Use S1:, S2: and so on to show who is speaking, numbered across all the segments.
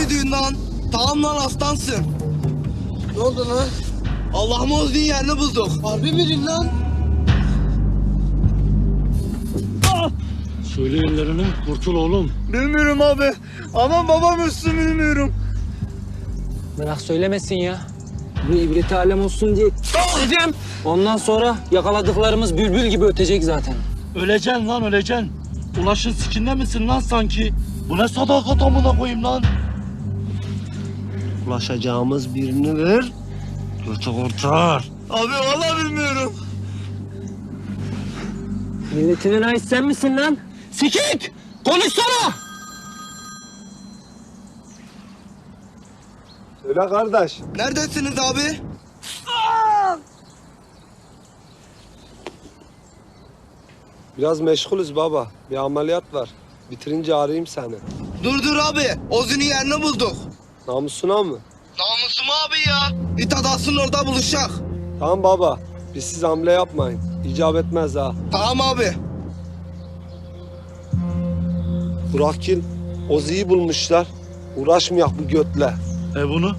S1: diyorsun lan? Tamam lan aslansın.
S2: Ne oldu lan?
S1: Allah'ım Oğuz'un yerini bulduk.
S2: Harbi miydin lan?
S3: Söyle ellerini, kurtul oğlum.
S1: Bilmiyorum abi. Aman babam üstü bilmiyorum.
S4: Bırak söylemesin ya. Bu ibreti alem olsun diye dedim. Ondan sonra yakaladıklarımız bülbül gibi ötecek zaten.
S3: Öleceksin lan, öleceksin. Ulaşın sikinde misin lan sanki? Bu ne sadakat amına koyayım lan?
S2: Ulaşacağımız birini ver.
S3: Götü kurtar.
S1: Abi vallahi bilmiyorum.
S4: Milletinin ait sen misin lan? Sikik! Konuşsana!
S2: Söyle kardeş.
S1: Neredesiniz abi?
S2: Biraz meşgulüz baba. Bir ameliyat var. Bitirince arayayım seni.
S1: Dur abi. Oğuz'un yerini bulduk.
S2: Namusuna mı?
S1: Namusum abi ya. İt adasının orada buluşacak.
S2: Tamam baba. Biz siz hamle yapmayın. İcap etmez ha.
S1: Tamam abi.
S2: Burakgil, Ozi'yi bulmuşlar. Uğraşmayak bu götle.
S3: Bunu?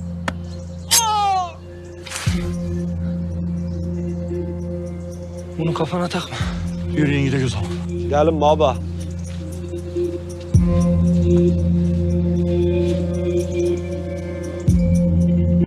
S4: Bunu kafana takma.
S3: Yürüyün gidelim o zaman.
S2: Gelin baba.